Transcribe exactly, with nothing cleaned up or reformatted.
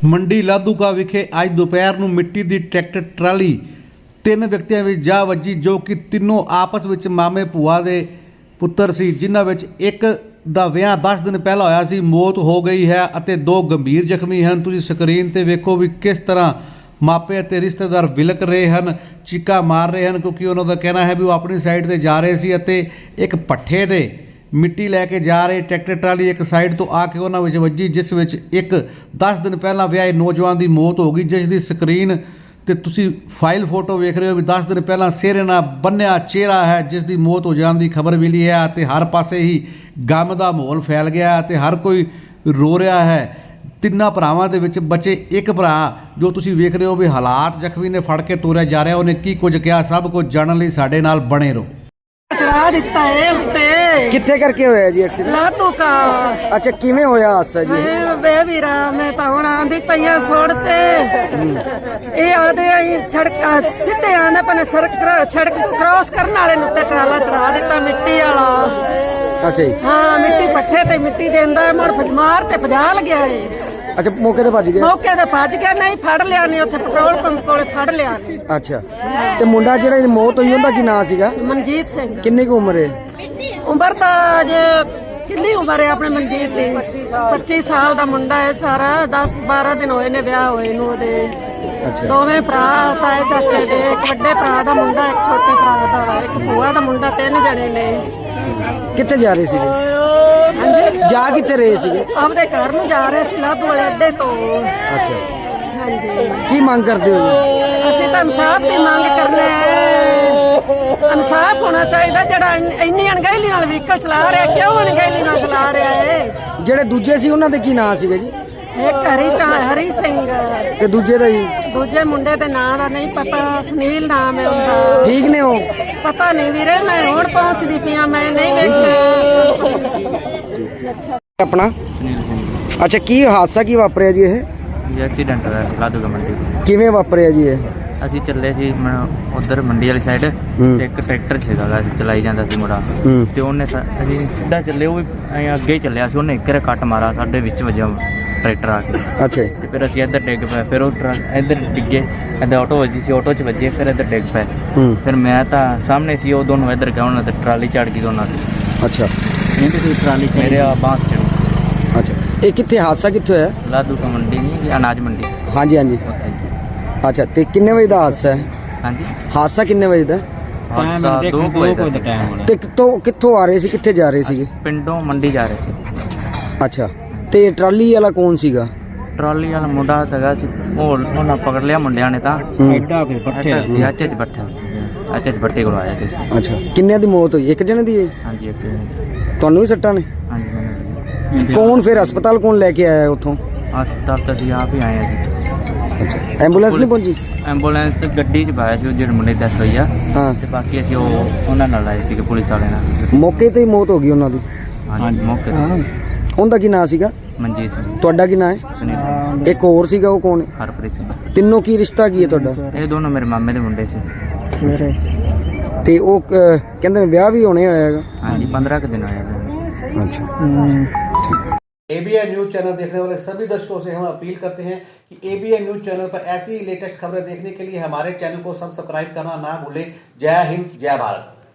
ਮੰਡੀ ਲਾਧੂਕਾ ਵਿਖੇ ਅੱਜ ਦੁਪਹਿਰ ਨੂੰ ਮਿੱਟੀ ਦੀ ਟਰੈਕਟਰ ਟਰਾਲੀ ਤਿੰਨ ਵਿਅਕਤੀਆਂ ਵਿੱਚ ਜਾ ਵੱਜੀ, ਜੋ ਕਿ ਤਿੰਨੋਂ ਆਪਸ ਵਿੱਚ ਮਾਮੇ ਭੂਆ ਦੇ ਪੁੱਤਰ ਸੀ, ਜਿਨ੍ਹਾਂ ਵਿੱਚ ਇੱਕ ਦਾ ਵਿਆਹ ਦਸ ਦਿਨ ਪਹਿਲਾਂ ਹੋਇਆ ਸੀ, ਮੌਤ ਹੋ ਗਈ ਹੈ ਅਤੇ ਦੋ ਗੰਭੀਰ ਜ਼ਖਮੀ ਹਨ। ਤੁਸੀਂ ਸਕਰੀਨ ਤੇ ਵੇਖੋ ਵੀ ਕਿਸ ਤਰ੍ਹਾਂ ਮਾਪੇ ਅਤੇ ਰਿਸ਼ਤੇਦਾਰ ਵਿਲਕ ਰਹੇ ਹਨ, ਚੀਕਾਂ ਮਾਰ ਰਹੇ ਹਨ, ਕਿਉਂਕਿ ਉਹਨਾਂ ਦਾ ਕਹਿਣਾ ਹੈ ਵੀ ਉਹ ਆਪਣੀ ਸਾਈਡ ਤੇ ਜਾ ਰਹੇ ਸੀ ਅਤੇ ਇੱਕ ਪੱਠੇ ਤੇ ਮਿੱਟੀ ਲੈ ਕੇ ਜਾ ਰਹੇ ਟਰੈਕਟਰ ਟਰਾਲੀ ਇੱਕ ਸਾਈਡ ਤੋਂ ਆ ਕੇ ਉਹਨਾਂ ਵਿੱਚ ਵੱਜੀ, ਜਿਸ ਵਿੱਚ ਇੱਕ ਦਸ ਦਿਨ ਪਹਿਲਾਂ ਵਿਆਹੇ ਨੌਜਵਾਨ ਦੀ ਮੌਤ ਹੋ ਗਈ, ਜਿਸ ਦੀ ਸਕਰੀਨ ਤੇ ਤੁਸੀਂ ਫਾਈਲ ਫੋਟੋ ਵੇਖ ਰਹੇ ਹੋ ਵੀ ਦਸ ਦਿਨ ਪਹਿਲਾਂ ਸਿਹਰੇ ਨਾਲ ਬੰਨਿਆ ਚਿਹਰਾ ਹੈ, ਜਿਸ ਦੀ ਮੌਤ ਹੋ ਜਾਣ ਦੀ ਖਬਰ ਮਿਲੀ ਹੈ ਅਤੇ ਹਰ ਪਾਸੇ ਹੀ ਗਮ ਦਾ ਮਾਹੌਲ ਫੈਲ ਗਿਆ ਅਤੇ ਹਰ ਕੋਈ ਰੋ ਰਿਹਾ ਹੈ। ਤਿੰਨਾਂ ਭਰਾਵਾਂ ਦੇ ਵਿੱਚ ਬਚੇ ਇੱਕ ਭਰਾ ਜੋ ਤੁਸੀਂ ਵੇਖ ਰਹੇ ਹੋ ਵੀ ਹਾਲਾਤ ਜ਼ਖਮੀ ਨੇ ਫੜ ਕੇ ਤੋਰਿਆ ਜਾ ਰਿਹਾ, ਉਹਨੇ ਕੀ ਕੁਝ ਕਿਹਾ, ਸਭ ਕੁਝ ਜਾਣਨ ਲਈ ਸਾਡੇ ਨਾਲ ਬਣੇ ਰਹੋ। ਚੜਾ ਦਿੱਤਾ ਏ ਉੱਤੇ। ਕਿੱਥੇ ਕਰਕੇ ਹੋਇਆ ਜੀ ਐਕਸੀਡੈਂਟ? ਲਾਧੂਕਾ। ਅੱਛਾ, ਕਿਵੇਂ ਹੋਇਆ ਹਾਦਸਾ ਜੀ? ਮੈਂ ਬੇ ਵੀਰਾ ਮੈਂ ਤਾਂ ਹੁਣ ਆਂਦੀ ਪਈਆਂ ਸੋੜ ਤੇ ਇਹ ਆਦੇ ਆਈ ਸੜਕ ਸਿੱਧੇ ਆਂਦੇ ਪਨੇ ਸੜਕ ਸੜਕ ਤੋਂ ਕ੍ਰਾਸ ਕਰਨ ਵਾਲੇ ਨੂੰ ਤੇ ਟਰਾਲਾ ਚੜਾ ਦਿੱਤਾ ਮਿੱਟੀ ਵਾਲਾ। ਅੱਛਾ ਜੀ। ਹਾਂ, ਮਿੱਟੀ ਪੱਠੇ ਤੇ ਮਿੱਟੀ ਦੇਂਦਾ ਮੁੜ ਫਜਮਾਰ ਤੇ ਭਜਾ ਲਗਿਆ ਏ। ਅੱਛਾ, ਮੌਕੇ ਤੇ ਭੱਜ ਗਿਆ? ਮੌਕੇ ਤੇ ਭੱਜ ਗਿਆ, ਨਹੀਂ ਫੜ ਲਿਆ, ਨਹੀਂ ਉੱਥੇ ਪੈਟਰੋਲ ਪੰਪ ਕੋਲੇ ਫੜ ਲਿਆ। ਅੱਛਾ, ਤੇ ਮੁੰਡਾ ਜਿਹੜਾ ਦੀ ਮੌਤ ਹੋਈ ਉਹਦਾ ਕੀ ਨਾਂ ਸੀਗਾ? ਮਨਜੀਤ ਸਿੰਘ। ਕਿੰਨੀ ਕੁ ਉਮਰ ਹੈ? ਉਮਰ ਤਾਂ ਜੇ ਕਿੰਨੀ ਉਮਰ ਹੈ ਆਪਣੇ ਮਨਜੀਤ ਦੀ? ਪੱਚੀ ਸਾਲ ਦਾ ਮੁੰਡਾ ਹੈ ਸਾਰਾ। ਦਸ ਬਾਰਾਂ ਦਿਨ ਹੋਏ ਨੇ ਵਿਆਹ ਹੋਏ ਨੂੰ ਉਹਦੇ। ਅੱਛਾ, ਦੋਵੇਂ ਭਰਾ ਤਾਏ ਚਾਚੇ ਦੇ, ਇੱਕ ਵੱਡੇ ਭਰਾ ਦਾ ਮੁੰਡਾ, ਇੱਕ ਛੋਟੇ ਭਰਾ ਦਾ ਵਾ, ਇੱਕ ਭੂਆ ਦਾ ਮੁੰਡਾ, ਤਿੰਨ ਜਣੇ ਨੇ। ਕਿੱਥੇ ਜਾ ਰਹੇ ਸੀਗੇ? ਹਾਂਜੀ, ਜਾ ਕਿੱਥੇ ਰਹੇ ਸੀਗੇ? ਆਪਦੇ ਘਰ ਨੂੰ ਜਾ ਰਹੇ ਸੀ ਲਾਧੂ ਵਾਲੇ ਅੱਡੇ ਤੋਂ। ਅੱਛਾ, ਹਾਂਜੀ। ਕੀ ਮੰਗ ਕਰਦੇ ਹੋ ਜੀ? ਅਸੀਂ ਤਾਂ ਇਨਸਾਫ ਦੀ ਮੰਗ ਕਰਨਾ ਹੈ। ਇਨਸਾਫ ਹੋਣਾ ਚਾਹੀਦਾ। ਜਿਹੜਾ ਇੰਨੀ ਅਣਗਹਿਲੀ ਨਾਲ ਵਹੀਕਲ ਚਲਾ ਰਿਹਾ, ਕਿਉਂ ਅਣਗਹਿਲੀ ਨਾਲ ਚਲਾ ਰਿਹਾ ਹੈ? ਜਿਹੜੇ ਦੂਜੇ ਸੀ ਉਹਨਾਂ ਦੇ ਕੀ ਨਾਂ ਸੀਗੇ ਜੀ? ਇੱਕ ਹਰੀ ਚਾ ਹਰੀ ਸਿੰਘ ਤੇ ਦੂਜੇ ਦਾ ਜੀ? ਦੂਜੇ ਮੁੰਡੇ ਦੇ ਨਾਂ ਦਾ ਨਹੀਂ ਪਤਾ, ਸੁਨੀਲ ਨਾਮ ਹੈ ਉਹਦਾ। ਠੀਕ ਨੇ ਉਹ? ਪਤਾ ਨਹੀਂ ਵੀਰੇ, ਮੈਂ ਹੁਣ ਪਹੁੰਚਦੀ ਪਿਆ, ਮੈਂ ਨਹੀਂ ਵੇਖਿਆ। ਆਪਣਾ ਅੱਛਾ, ਕੀ ਹਾਦਸਾ ਕੀ ਵਾਪਰਿਆ ਜੀ? ਇਹ ਇਹ ਐਕਸੀਡੈਂਟ ਹੋਇਆ ਸੀ ਲਾਧੂਕਾ ਮੰਡੀ ਤੋਂ। ਕਿਵੇਂ ਵਾਪਰਿਆ ਜੀ ਇਹ? ਅਸੀਂ ਚੱਲੇ ਸੀ ਉਧਰ ਮੰਡੀ ਵਾਲੀ ਸਾਈਡ ਤੇ ਇੱਕ ਟਰੈਕਟਰ ਸੀਗਾ ਗਾ, ਅਸੀਂ ਚਲਾਈ ਜਾਂਦਾ ਸੀ ਮੁੰਡਾ ਹੂੰ। ਤੇ ਉਹਨੇ ਸਾ- ਅਸੀਂ ਸਿੱਧਾ ਚੱਲੇ, ਉਹ ਵੀ ਐਂ ਅੱਗੇ ਹੀ ਚੱਲਿਆ ਸੀ, ਉਹਨੇ ਇੱਕ ਰੇ ਕੱਟ ਮਾਰਾ ਸਾਡੇ ਵਿੱਚ ਵਜਾ ਟਰੈਕਟਰ ਆ ਕੇ। ਅੱਛਾ ਜੀ। ਤੇ ਫਿਰ ਅਸੀਂ ਇੱਧਰ ਡਿੱਗ ਪਏ, ਫਿਰ ਉਹ ਟਰੱਕ ਇੱਧਰ ਡਿੱਗੇ, ਇੱਧਰ ਆਟੋ ਵੱਜੀ ਸੀ, ਆਟੋ 'ਚ ਵੱਜੇ, ਫਿਰ ਇੱਧਰ ਡਿੱਗ ਪਏ। ਹੂੰ। ਫਿਰ ਮੈਂ ਤਾਂ ਸਾਹਮਣੇ ਸੀ, ਉਹ ਦੋਨੋਂ ਇੱਧਰ ਗਏ, ਉਹਨਾਂ ਤੇ ਟਰਾਲੀ ਚੜ੍ਹ ਗਈ ਦੋਨਾਂ ਦੀ। ਅੱਛਾ, ਟਰਾਲੀ ਮੇਰੇ ਆ ਬਾਂਸ ਚੜ੍ਹ। ਅੱਛਾ, ਇਹ ਕਿੱਥੇ ਹਾਦਸਾ ਕਿੱਥੇ ਹੋਇਆ? ਲਾਧੂਕਾ ਮੰਡੀ ਨਹੀਂ, ਅਨਾਜ ਮੰਡੀ ਹਾਂਜੀ ਹਾਂਜੀ। ਉੱਥੇ। ਅੱਛਾ, ਤੇ ਕਿੰਨੇ ਵਜੇ ਦਾ ਹਾਦਸਾ ਹੈ? ਹਾਂਜੀ, ਹਾਦਸਾ ਕਿੰਨੇ ਵਜੇ ਦਾ? ਹਾਦਸਾ ਦੋ ਕੁ ਵਜੇ ਦਾ ਸੀ। ਤੇ ਕਿੱਥੋਂ ਕਿੱਥੋਂ ਆ ਰਹੇ ਸੀ, ਕਿੱਥੇ ਜਾ ਰਹੇ ਸੀਗੇ? ਪਿੰਡੋਂ ਮੰਡੀ ਜਾ ਰਹੇ ਸੀ। ਅੱਛਾ, ਤੇ ਟਰਾਲੀ ਵਾਲਾ ਕੌਣ ਸੀਗਾ? ਟਰਾਲੀ ਵਾਲਾ ਮੁੰਡਾ ਸੀਗਾ ਸੀ, ਉਹ ਉਹਨਾਂ ਪਕੜ ਲਿਆ ਮੁੰਡਿਆਂ ਨੇ ਤਾਂ। ਐਡਾ ਫਿਰ ਪੱਠੇ ਸੀ, ਅੱਛੇ ਚ ਪੱਠੇ ਅੱਛੇ ਚ ਪੱਠੇ ਕੋਲ ਆਇਆ ਸੀ। ਅੱਛਾ, ਕਿੰਨਿਆਂ ਦੀ ਮੌਤ ਹੋਈ? ਇੱਕ ਜਣੇ ਦੀ ਹੈ? ਹਾਂਜੀ ਇੱਕ। ਤੁਹਾਨੂੰ ਵੀ ਸੱਟਾਂ ਨੇ? ਹਾਂਜੀ ਮੈਨੂੰ ਕੌਣ ਫਿਰ ਹਸਪਤਾਲ ਕੌਣ ਲੈ ਕੇ ਆਇਆ ਉੱਥੋਂ? ਹਸਪਤਾਲ ਤਾਂ ਅਸੀਂ ਆਪ ਹੀ ਆਏ ਆ ਜੀ। ਅੱਛਾ, ਐਂਬੂਲੈਂਸ ਨਹੀਂ ਪਹੁੰਚੀ? ਐਂਬੂਲੈਂਸ ਗੱਡੀ 'ਚ ਪਾਇਆ ਸੀ ਉਹ ਜਿਹੜੇ ਮੁੰਡੇ ਦੀ ਡੈਥ ਹੋਈ ਆ, ਹਾਂ। ਤੇ ਬਾਕੀ ਅਸੀਂ ਉਹ ਉਹਨਾਂ ਨਾਲ ਆਏ ਸੀਗੇ, ਪੁਲਿਸ ਵਾਲੇ ਨਾਲ। ਮੌਕੇ ਤੇ ਹੀ ਮੌਤ ਹੋ ਗਈ ਉਹਨਾਂ ਦੀ? ਹਾਂਜੀ ਮੌਕੇ ਤੇ। ਉਹਦਾ ਕੀ ਨਾਂ ਸੀਗਾ? ਮਨਜੀਤ ਸਿੰਘ। ਤੁਹਾਡਾ ਕੀ ਨਾਂ ਹੈ? ਸੁਨੀਲ ਸਿੰਘ। ਇੱਕ ਹੋਰ ਸੀਗਾ, ਉਹ ਕੌਣ ਹੈ? ਹਰਪ੍ਰੀਤ ਸਿੰਘ। ਤਿੰਨੋਂ ਕੀ ਰਿਸ਼ਤਾ ਕੀ ਹੈ ਤੁਹਾਡਾ? ਇਹ ਦੋਨੋਂ ਮੇਰੇ ਮਾਮੇ ਦੇ ਮੁੰਡੇ ਸੀ। ਤੇ ਉਹ ਅਹ, ਕਹਿੰਦੇ ਨੇ ਵਿਆਹ ਵੀ ਹੋਣੇ ਹੋਇਆ ਹੈਗਾ? ਹਾਂਜੀ, पंद्रह के दिन होया। अच्छा। एबीएन न्यूज चैनल देखने वाले सभी दर्शकों से हम अपील करते हैं कि एबीएन न्यूज चैनल पर ऐसी लेटेस्ट खबरें देखने के लिए हमारे चैनल को सब्सक्राइब करना ना भूलें। जय हिंद, जय भारत।